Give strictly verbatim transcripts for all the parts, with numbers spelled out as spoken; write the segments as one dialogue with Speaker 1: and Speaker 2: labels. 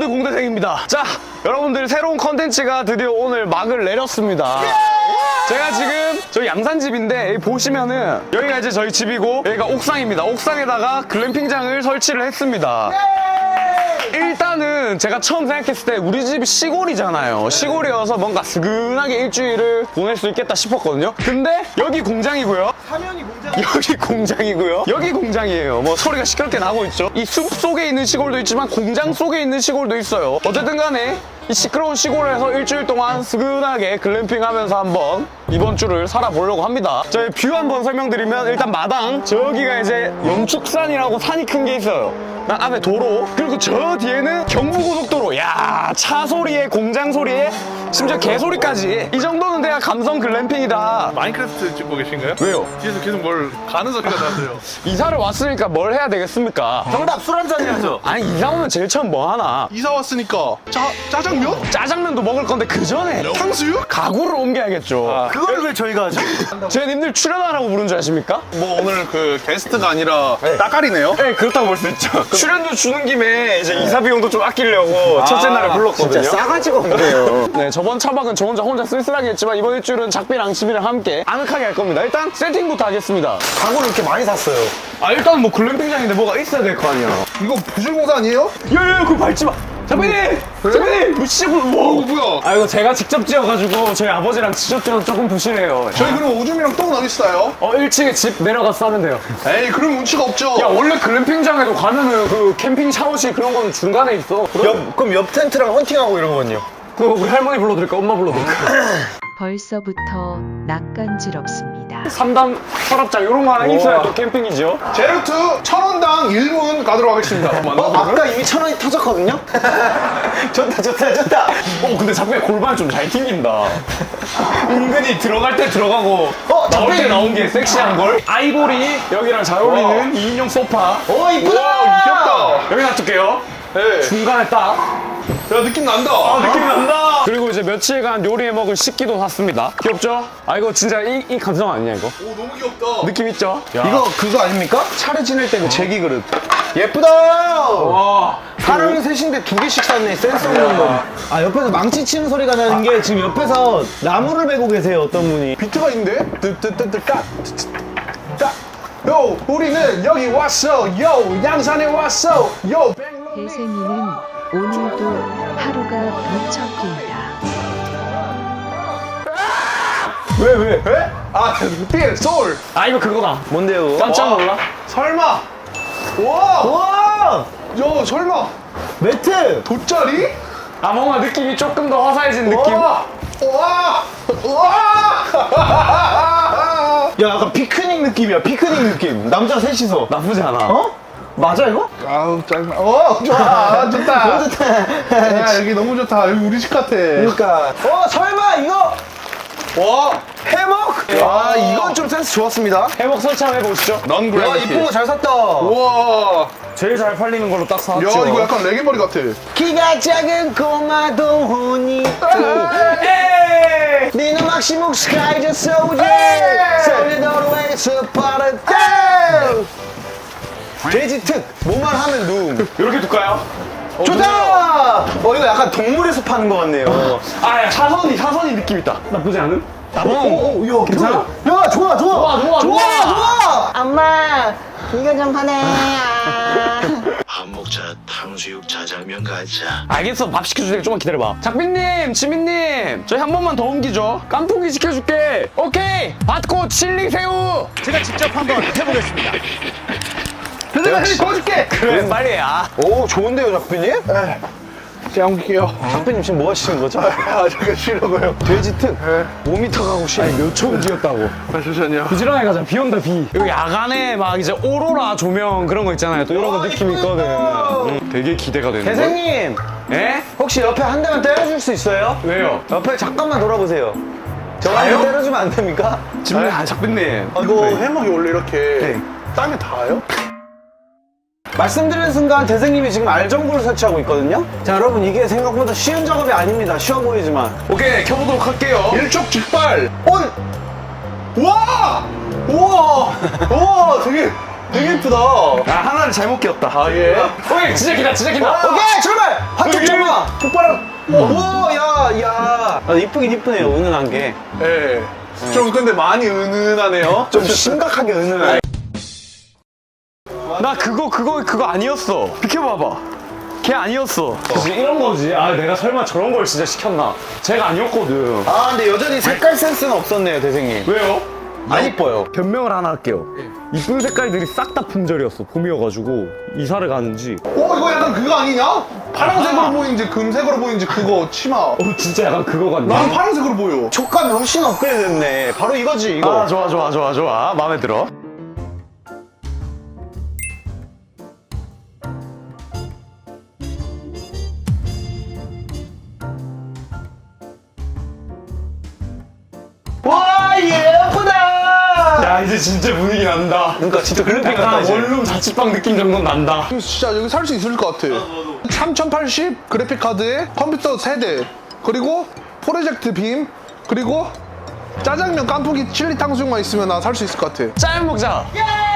Speaker 1: 우리 공대생입니다. 자, 여러분들 새로운 컨텐츠가 드디어 오늘 막을 내렸습니다. 제가 지금 저희 양산집인데 여기 보시면은 여기가 이제 저희 집이고 여기가 옥상입니다. 옥상에다가 글램핑장을 설치를 했습니다. 일단은 제가 처음 생각했을 때 우리 집이 시골이잖아요. 시골이어서 뭔가 스근하게 일주일을 보낼 수 있겠다 싶었거든요. 근데 여기 공장이고요.
Speaker 2: 사면이 공장.
Speaker 1: 여기 공장이고요. 여기 공장이에요. 뭐 소리가 시끄럽게 나고 있죠. 이 숲 속에 있는 시골도 있지만 공장 속에 있는 시골도 있어요. 어쨌든 간에 이 시끄러운 시골에서 일주일 동안 스근하게 글램핑하면서 한번 이번 주를 살아보려고 합니다. 저희 뷰 한번 설명드리면 일단 마당, 저기가 이제 영축산이라고 산이 큰 게 있어요. 난 앞에 도로, 그리고 저 뒤에는 경부고속도로. 야, 차 소리에 공장 소리에 심지어 개 소리까지. 이 정도는 돼야 감성 글램핑이다.
Speaker 3: 마인크래프트 찍고 계신가요?
Speaker 1: 왜요?
Speaker 3: 뒤에서 계속 뭘 가는 소리가 나서요.
Speaker 1: 이사를 왔으니까 뭘 해야 되겠습니까?
Speaker 2: 정답 술 한잔 해야죠.
Speaker 1: 아니, 이사 오면 제일 처음 뭐 하나?
Speaker 3: 이사 왔으니까 짜, 짜장면?
Speaker 1: 짜장면도 먹을 건데 그 전에
Speaker 3: 탕수육?
Speaker 1: 가구를 옮겨야겠죠.
Speaker 2: 그걸 왜 저희가 하죠?
Speaker 1: 제 님들 출연하라고 부른 줄 아십니까?
Speaker 3: 뭐 오늘 그 게스트가 아니라 따까리네요?
Speaker 1: 네, 그렇다고 볼 수 있죠. 출연료 주는 김에 이제 이사 비용도 좀 아끼려고 첫째 날에 불렀거든요.
Speaker 2: 진짜 싸가지가 없네요.
Speaker 1: 네, 저번 차박은 저 혼자 혼자 쓸쓸하게 했지만 이번 일주일은 작비랑 집이랑 함께 아늑하게 할 겁니다. 일단 세팅부터 하겠습니다.
Speaker 2: 가구를 이렇게 많이 샀어요.
Speaker 1: 아, 일단 뭐 글램핑장인데 뭐가 있어야 될 거 아니야.
Speaker 3: 이거 부실공사 아니에요?
Speaker 1: 야야야, 그거 밟지 마. 장비님! 장비님! 뭐 진짜 뭐.
Speaker 3: 어, 뭐야?
Speaker 1: 아, 이거 제가 직접 지어가지고 저희 아버지랑 직접 지어서 조금 부실해요.
Speaker 3: 저희 그럼 오줌이랑 똥은 어디 있어요?
Speaker 1: 어, 일 층에 집 내려가서 싸면 돼요.
Speaker 3: 에이, 그럼 운치가 없죠?
Speaker 1: 야, 원래 글램핑장에도 가면은 그 캠핑 샤워실 그런 거는 중간에 있어.
Speaker 2: 옆, 그럼 옆 텐트랑 헌팅하고 이런 거는요?
Speaker 1: 그거 우리 할머니 불러드릴까? 엄마 불러드릴까?
Speaker 4: 벌써부터 낯간지럽습니다.
Speaker 1: 삼 단 서랍장 이런 거 하나 있어야 또 캠핑이죠.
Speaker 3: 제로투 천 원당 일 분 가도록 하겠습니다.
Speaker 2: 어, 아까 이미 천 원이 터졌거든요? 좋다, 좋다, 좋다.
Speaker 1: 어, 근데 작품에 골반 좀 잘 튕긴다. 은근히 들어갈 때 들어가고
Speaker 2: 어,
Speaker 1: 나올 때
Speaker 2: 작품이-
Speaker 1: 나온 게 섹시한 걸. 아이보리 여기랑 잘 어울리는 이 인용 소파.
Speaker 2: 오, 이쁘다!
Speaker 3: 와, 귀엽다.
Speaker 1: 여기 놔둘게요.
Speaker 3: 네.
Speaker 1: 중간에 딱.
Speaker 3: 야, 느낌 난다.
Speaker 1: 아, 느낌 난다. 그리고 이제 며칠간 요리해 먹을 식기도 샀습니다. 귀엽죠? 아, 이거 진짜 이, 이 감성 아니냐 이거?
Speaker 3: 오, 너무 귀엽다.
Speaker 1: 느낌 있죠? 야.
Speaker 2: 이거 그거 아닙니까? 차례 지낼 때 그 제기 그릇. 예쁘다!
Speaker 1: 와.
Speaker 2: 사람이 셋인데 두 개씩 샀네, 센스 없는 놈. 아, 옆에서 망치 치는 소리가 나는 게 지금 옆에서 나무를 베고 계세요, 어떤 분이.
Speaker 3: 비트가 있는데? 뜨뜨뜨뜨 딱. 딱. 요, 우리는 여기 왔어. 요, 양산에 왔어. 요, 백롱리.
Speaker 4: 대생이는 오늘도 하루가 무척 길다.
Speaker 3: 왜, 왜? 왜? 아, 띠, 소울.
Speaker 1: 아, 이거 그거다.
Speaker 2: 뭔데요?
Speaker 1: 깜짝
Speaker 3: 와.
Speaker 1: 놀라?
Speaker 3: 설마. 와.
Speaker 2: 와!
Speaker 3: 야, 설마.
Speaker 2: 매트!
Speaker 3: 돗자리?
Speaker 1: 아, 뭔가 느낌이 조금 더 화사해진 느낌.
Speaker 3: 와. 와. 와.
Speaker 2: 야, 약간 피크닉 느낌이야, 피크닉 느낌. 남자 셋이서.
Speaker 1: 나쁘지 않아.
Speaker 2: 어? 맞아, 이거?
Speaker 3: 아우, 짜증나. 어, 좋아. 좋다.
Speaker 2: 너무 좋다.
Speaker 3: 야, 여기 너무 좋다. 여기 우리 집 같아.
Speaker 2: 그러니까. 어, 설마 이거
Speaker 3: 와.
Speaker 2: 해먹? 아, 이건 좀 센스 좋았습니다.
Speaker 1: 해먹 설치 한번 해보시죠.
Speaker 3: 넌
Speaker 2: 야,
Speaker 3: 그래비티.
Speaker 2: 이쁜 거 잘 샀다.
Speaker 3: 우와.
Speaker 1: 제일 잘 팔리는 걸로 딱
Speaker 3: 야,
Speaker 1: 사왔죠.
Speaker 3: 이거 약간 레게 머리 같아.
Speaker 2: 키가 작은 꼬마도 혼이
Speaker 1: 에이!
Speaker 2: 니는 막시목 스카이저 소재 설레도로에서 빠르다 돼지 특 뭐만 하면 룸
Speaker 1: 이렇게 둘까요?
Speaker 2: 좋다! 어 이거 약간 동물에서 파는 것 같네요.
Speaker 1: 아, 야, 사선이, 사선이 느낌 있다. 나쁘지 않은?
Speaker 2: 오오야
Speaker 1: 괜찮아?
Speaker 2: 야 좋아 좋아
Speaker 1: 좋아, 좋아,
Speaker 2: 좋아
Speaker 1: 좋아.
Speaker 2: 좋아.
Speaker 5: 엄마, 이거 좀 하네.
Speaker 6: 밥 먹자 탕수육 자장면 가자.
Speaker 1: 알겠어, 밥 시켜주세요. 좀만 기다려봐. 작빈님, 지민님, 저희 한 번만 더 옮기죠. 깐풍기 시켜줄게. 오케이, 받고 칠리 새우.
Speaker 2: 제가 직접 한번 해보겠습니다.
Speaker 3: 내가 헬리 도와줄게.
Speaker 1: 그래, 빨리 야.
Speaker 2: 오 좋은데요 작비님?
Speaker 3: 제가 옮길게요.
Speaker 2: 작비님 지금 뭐 하시는 거죠?
Speaker 3: 아, 제가 쉬려고요.
Speaker 2: 돼지 특 오 미터 가고 싶어.
Speaker 1: 몇 초 움직였다고.
Speaker 3: 아, 잠시만요.
Speaker 1: 부지런하게 가자. 비 온다, 비. 이거 야간에 막 이제 오로라 조명 그런 거 있잖아요. 또 이런 거 느낌 있거든. 응, 되게 기대가 되는 거.
Speaker 2: 대생님
Speaker 1: 예?
Speaker 2: 혹시 옆에 한 대만 때려줄 수 있어요?
Speaker 1: 왜요?
Speaker 2: 옆에 잠깐만 돌아보세요. 저한테 때려주면 안 됩니까?
Speaker 1: 지민, 아, 작빈님.
Speaker 3: 이거 해먹이 원래 이렇게
Speaker 2: 네.
Speaker 3: 땅에 닿아요?
Speaker 2: 말씀드리는 순간 대생님이 지금 알전구를 설치하고 있거든요. 자 여러분 이게 생각보다 쉬운 작업이 아닙니다. 쉬워 보이지만
Speaker 1: 오케이, 켜보도록 할게요.
Speaker 3: 일촉즉발.
Speaker 2: 온!
Speaker 3: 와!
Speaker 2: 우와! 우와 되게 되게 예쁘다.
Speaker 1: 아, 하나를 잘못 끼웠다. 아,
Speaker 3: 예.
Speaker 1: 오케이, 진짜 기다, 진짜 기다.
Speaker 2: 오케이 출발! 한쪽
Speaker 1: 오케이.
Speaker 2: 출발! 오, 야, 야. 아, 이쁘긴 이쁘네요, 은은한 게.
Speaker 3: 예. 좀 근데 많이 은은하네요.
Speaker 2: 좀 심각하게 은은한.
Speaker 1: 나 그거 그거 그거 아니었어. 비켜봐봐. 걔 아니었어.
Speaker 2: 그치, 이런 거지. 아, 내가 설마 저런 걸 진짜 시켰나.
Speaker 1: 쟤가 아니었거든.
Speaker 2: 아, 근데 여전히 색깔 센스는 없었네요, 대생님.
Speaker 1: 왜요?
Speaker 2: 안 이뻐요.
Speaker 1: 변명을 하나 할게요. 이쁜 색깔들이 싹 다 품절이었어. 봄이어가지고 이사를 가는지.
Speaker 3: 오, 이거 약간 그거 아니냐? 파란색으로 보이는지 금색으로 보이는지 그거 치마.
Speaker 1: 어 진짜 약간 그거 같네.
Speaker 3: 난 파란색으로 보여.
Speaker 2: 촉감이 훨씬 업그레이드 됐네. 바로 이거지, 이거.
Speaker 1: 아 좋아 좋아 좋아 좋아. 마음에 들어.
Speaker 2: 와, 예쁘다!
Speaker 1: 야 이제 진짜 분위기 난다.
Speaker 2: 그러니까 진짜 글램핑 같다,
Speaker 1: 약간
Speaker 2: 이제.
Speaker 1: 원룸 자취방 느낌 정도는 난다.
Speaker 3: 진짜 여기 살 수 있을 것 같아. 삼천팔십 그래픽 카드에 컴퓨터 세대, 그리고 프로젝트 빔, 그리고 짜장면 깐풍기 칠리 탕수육만 있으면 나 살 수 있을 것 같아.
Speaker 1: 짜장 먹자.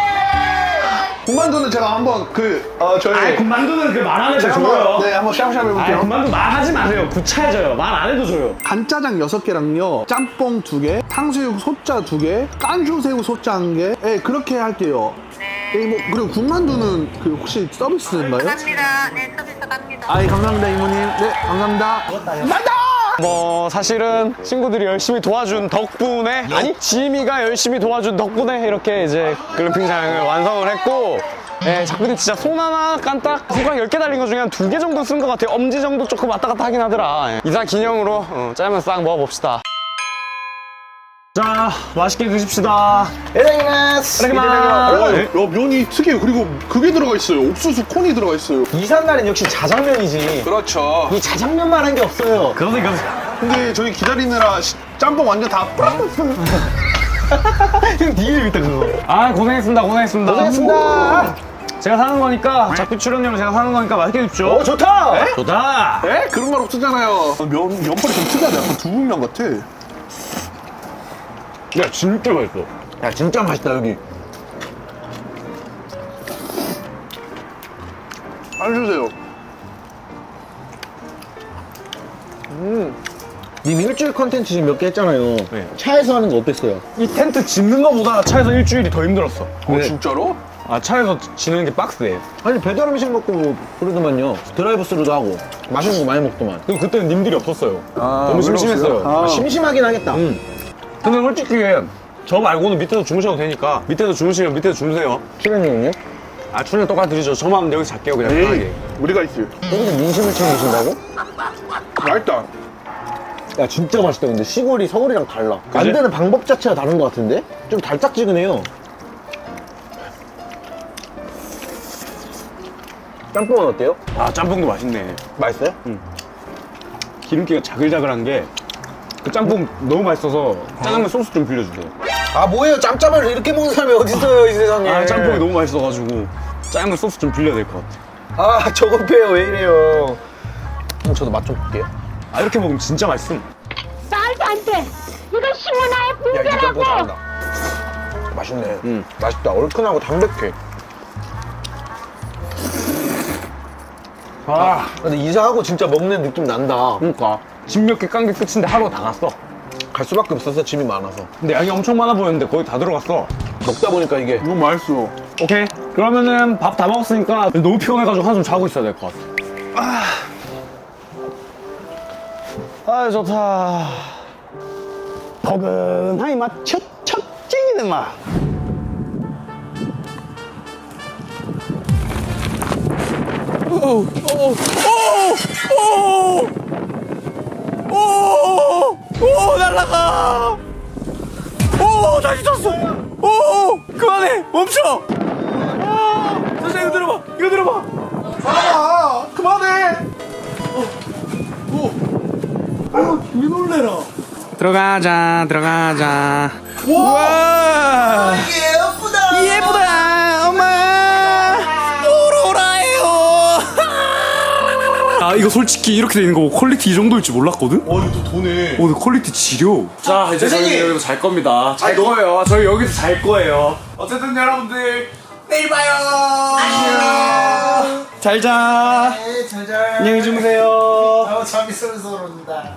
Speaker 3: 군만두는 제가 한번 그 어, 저희
Speaker 1: 아이 군만두는 그 말 안 해도
Speaker 3: 제가
Speaker 1: 줘요.
Speaker 3: 한번 네 한번 샤브샤브
Speaker 1: 아이
Speaker 3: 해볼게요.
Speaker 1: 군만두 말하지 마세요. 구차해져요. 말 안 해도 줘요.
Speaker 3: 간짜장 여섯 개랑요, 짬뽕 두 개, 탕수육 소짜 두 개, 깐주새우 소짜 한 개. 네, 그렇게 할게요. 네. 뭐 그리고 군만두는 그 혹시 서비스인가요?
Speaker 5: 갑니다. 네, 서비스 갑니다.
Speaker 3: 아이 감사합니다 이모님. 네 감사합니다. 간다.
Speaker 1: 뭐 사실은 친구들이 열심히 도와준 덕분에 아니 지미가 열심히 도와준 덕분에 이렇게 이제 글램핑장을 완성을 했고 예, 작품이 진짜 손 하나 깐딱 손가락 열 개 달린 것 중에 한 두 개 정도 쓴 것 같아요. 엄지 정도 조금 왔다 갔다 하긴 하더라. 예. 이사 기념으로 어, 짜장면 싹 먹어봅시다. 자 맛있게 드십시다.
Speaker 2: 에라이마스!
Speaker 1: 이렇게
Speaker 3: 와,
Speaker 1: 막
Speaker 3: 야, 면이 특이해요. 그리고 그게 들어가 있어요. 옥수수 콘이 들어가 있어요.
Speaker 2: 이삿날은 역시 자장면이지.
Speaker 3: 그렇죠.
Speaker 2: 이 자장면만 한 게 없어요.
Speaker 1: 그러니 그
Speaker 3: 근데 저희 기다리느라 시- 짬뽕 완전 다 뿌렸어요.
Speaker 2: 형 니일 밑에 그거.
Speaker 1: 아 고생했습니다. 고생했습니다.
Speaker 2: 고생했습니다.
Speaker 1: 제가 사는 거니까 작품 출연료로 제가 사는 거니까 맛있게 드십시오.
Speaker 2: 오, 좋다!
Speaker 1: 좋다.
Speaker 3: 에? 그런 말 없었잖아요. 면, 면발이 좀 특이하다. 약간 두부면 같아.
Speaker 1: 야 진짜 맛있어.
Speaker 2: 야, 진짜 맛있다, 여기.
Speaker 3: 안 주세요.
Speaker 2: 님 일주일 컨텐츠 지금 몇 개 했잖아요.
Speaker 1: 네.
Speaker 2: 차에서 하는 거 어땠어요?
Speaker 1: 이 텐트 짓는 거보다 차에서 일주일이 더 힘들었어.
Speaker 3: 어, 진짜로?
Speaker 1: 아 차에서 지는 게 빡세.
Speaker 2: 아니, 배달 음식 먹고 뭐 그러더만요. 드라이브 스루도 하고. 맛있는 거 많이 먹더만.
Speaker 1: 그리고 그때는 님들이 없었어요.
Speaker 3: 아,
Speaker 1: 너무 심심했어요.
Speaker 3: 아,
Speaker 2: 심심하긴 하겠다.
Speaker 1: 음. 근데 솔직히 저 말고는 밑에서 주무셔도 되니까 밑에서 주무시면 밑에서 주무세요.
Speaker 2: 출연료는요?
Speaker 1: 아 출연 똑같이 드리죠. 저만 여기서 잘게요 그냥
Speaker 3: 에이,
Speaker 1: 편하게.
Speaker 3: 우리가 있어요.
Speaker 2: 여기서 민심을 챙기신다고?
Speaker 3: 맛있다.
Speaker 2: 야, 진짜 맛있다. 근데 시골이 서울이랑 달라. 만드는 방법 자체가 다른 것 같은데? 좀 달짝지근해요. 짬뽕은 어때요?
Speaker 1: 아 짬뽕도 맛있네.
Speaker 2: 맛있어요?
Speaker 1: 기름기가 자글자글한 게 그 짬뽕 너무 맛있어서 짜장면 소스 좀 빌려주세요.
Speaker 2: 아, 뭐예요? 짬짜면을 이렇게 먹는 사람이 어딨어요, 이 세상에.
Speaker 1: 아 짬뽕이 너무 맛있어가지고 짜장면 소스 좀 빌려야 될 것 같아.
Speaker 2: 아, 저거 빼요. 왜 이래요? 그럼 저도 맛 좀 볼게요.
Speaker 1: 아 이렇게 먹으면 진짜 맛있음.
Speaker 5: 말도 안 돼. 이거 시원하의
Speaker 2: 야, 이 짬뽕
Speaker 5: 붕대라고.
Speaker 2: 잘한다. 맛있네.
Speaker 1: 음.
Speaker 2: 맛있다. 얼큰하고 담백해.
Speaker 1: 아
Speaker 2: 근데 이사하고 진짜 먹는 느낌 난다.
Speaker 1: 그러니까 집 몇 개 깐 게 끝인데 하루가 다 갔어.
Speaker 2: 갈 수밖에 없어서 짐이 많아서.
Speaker 1: 근데 양이 엄청 많아 보였는데 거의 다 들어갔어.
Speaker 2: 먹다 보니까 이게.
Speaker 3: 이거 맛있어.
Speaker 1: 오케이. 그러면은 밥 다 먹었으니까 너무 피곤해가지고 한숨 자고 있어야 될 것 같아. 아, 아 좋다.
Speaker 2: 포근하니 맛, 첫, 첫 찡이는 맛.
Speaker 1: 오 날라가. 오 다시 쳤어. 오 그만해 멈춰. 아 선생님 이거 들어봐 이거 들어봐.
Speaker 3: 아, 그만해.
Speaker 1: 들어가자 들어가자. 와 예쁘다 예쁘다 엄마 오로라예요. 아 이거 솔직히 이렇게 되는 거 퀄리티 이 정도일 줄 몰랐거든.
Speaker 3: 어, 이거 또 돈에.
Speaker 1: 오늘 퀄리티 지려. 자 이제 저희 여기서 잘 겁니다. 잘 거예요. 저희 여기서 잘 거예요. 어쨌든 여러분들 내일 봐요. 안녕. 잘 자. 네, 잘 자. 안녕히 주무세요.
Speaker 2: 너무 재밌으면서 그런다.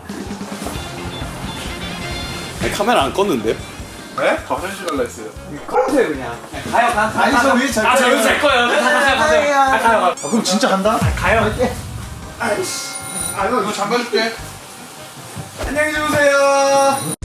Speaker 1: 카메라 안 껐는데?
Speaker 3: 네? 저 화장실 갈라 했어요.
Speaker 1: 꺼주세요 그냥. 가요 가.
Speaker 2: 아니 저 위에 잘.
Speaker 1: 아, 저 여기서 제 거예요. 가세요 가세요. 아, 가요 가요.
Speaker 2: 그럼 진짜 간다?
Speaker 1: 가요.
Speaker 3: 아, 이거, 이거 잠가줄게.
Speaker 2: 안녕히 주무세요.